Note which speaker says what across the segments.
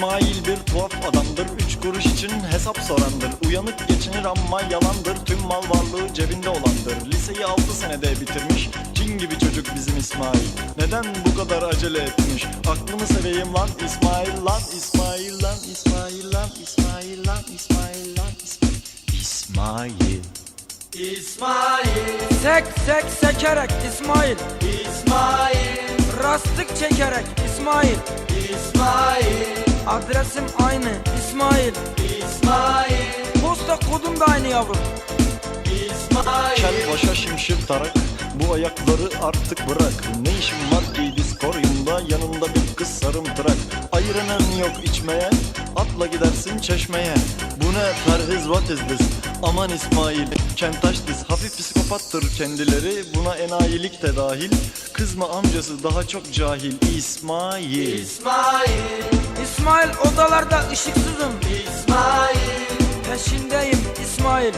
Speaker 1: İsmail bir tuhaf adamdır, 3 kuruş için hesap sorandır. Uyanık geçinir ama yalandır, tüm mal varlığı cebinde olandır. Liseyi 6 senede bitirmiş, cin gibi çocuk bizim İsmail. Neden bu kadar acele etmiş? Aklımı seveyim lan İsmail lan, İsmail lan, İsmail lan, İsmail lan, İsmail lan, İsmail.
Speaker 2: İsmail,
Speaker 3: Sek sek sekerek İsmail,
Speaker 2: İsmail,
Speaker 3: rastlık çekerek İsmail,
Speaker 2: İsmail,
Speaker 3: adresim aynı İsmail,
Speaker 2: İsmail,
Speaker 3: posta kodum da aynı yavrum.
Speaker 2: İsmail.
Speaker 1: Kel başa şimşir tarak, bu ayakları artık bırak. Ne işin var ki diskoryumda, yanında bir kız sarımtırak. Ayıranın yok içmeye, atla gidersin çeşmeye. Bu ne perhiz, what is this? Aman İsmail, kentaş diz, hafif psikopattır kendileri. Buna enayilik de dahil, kızma amcası daha çok cahil. İsmail.
Speaker 2: İsmail,
Speaker 3: İsmail odalarda ışıksızım,
Speaker 2: İsmail,
Speaker 3: peşindeyim İsmail.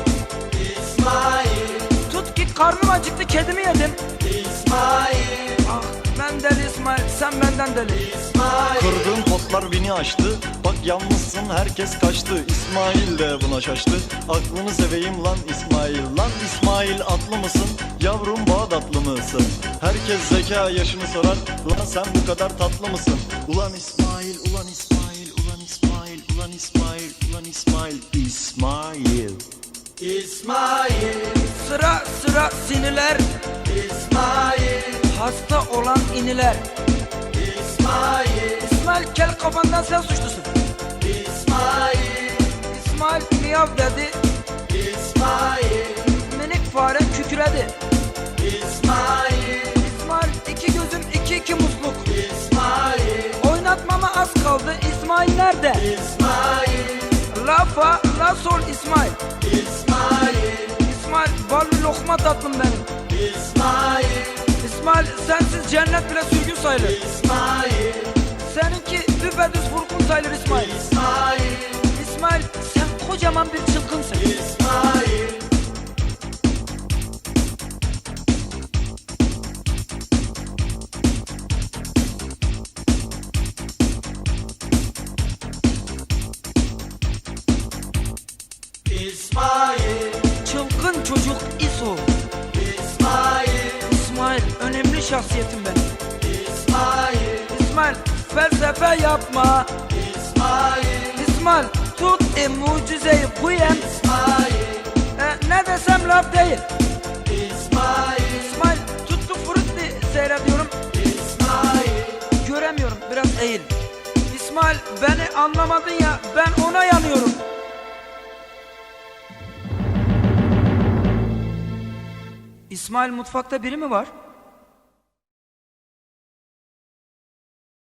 Speaker 2: İsmail,
Speaker 3: Tut ki karnım acıktı, kedimi yedim.
Speaker 2: İsmail,
Speaker 3: Ah ben deli İsmail, sen benden deli.
Speaker 2: İsmail.
Speaker 1: Kırdığım potlar beni aştı, bak yalnızsın herkes kaçtı. İsmail de buna şaştı, aklını seveyim lan İsmail. Lan İsmail atlı mısın, yavrum Bağdatlı mısın? Herkes zeka yaşını sorar, lan sen bu kadar tatlı mısın? Ulan İsmail, ulan İsmail, ulan İsmail, ulan İsmail, ulan İsmail, İsmail.
Speaker 2: İsmail,
Speaker 3: Sıra sıra siniler,
Speaker 2: İsmail,
Speaker 3: hasta olan iniler.
Speaker 2: İsmail,
Speaker 3: İsmail kel kafandan sen suçlusun.
Speaker 2: İsmail,
Speaker 3: İsmail miyav dedi,
Speaker 2: İsmail,
Speaker 3: minik fare kükredi.
Speaker 2: İsmail,
Speaker 3: İsmail iki gözüm iki musluk.
Speaker 2: İsmail,
Speaker 3: Oynatmama az kaldı, İsmail nerede?
Speaker 2: İsmail,
Speaker 3: La fa la sol İsmail.
Speaker 2: İsmail,
Speaker 3: İsmail ballı lokma tatlım benim.
Speaker 2: İsmail,
Speaker 3: İsmail sensiz cennet bile sürgün sayılır.
Speaker 2: İsmail,
Speaker 3: Seninki düpedüz vurgun sayılır İsmail.
Speaker 2: İsmail,
Speaker 3: İsmail sen kocaman bir çılgınsın.
Speaker 2: İsmail. İsmail,
Speaker 3: Çılgın çocuk İso.
Speaker 2: İsmail,
Speaker 3: İsmail önemli şahsiyetim benim.
Speaker 2: İsmail,
Speaker 3: İsmail felsefe yapma.
Speaker 2: İsmail,
Speaker 3: İsmail tut mucizeyi bu yem.
Speaker 2: İsmail,
Speaker 3: Ne desem laf değil.
Speaker 2: İsmail,
Speaker 3: İsmail tuttu frutti seyrediyorum.
Speaker 2: İsmail,
Speaker 3: Göremiyorum, biraz eğil. İsmail beni anlamadın ya, ben ona yanıyorum. İsmail mutfakta biri mi var?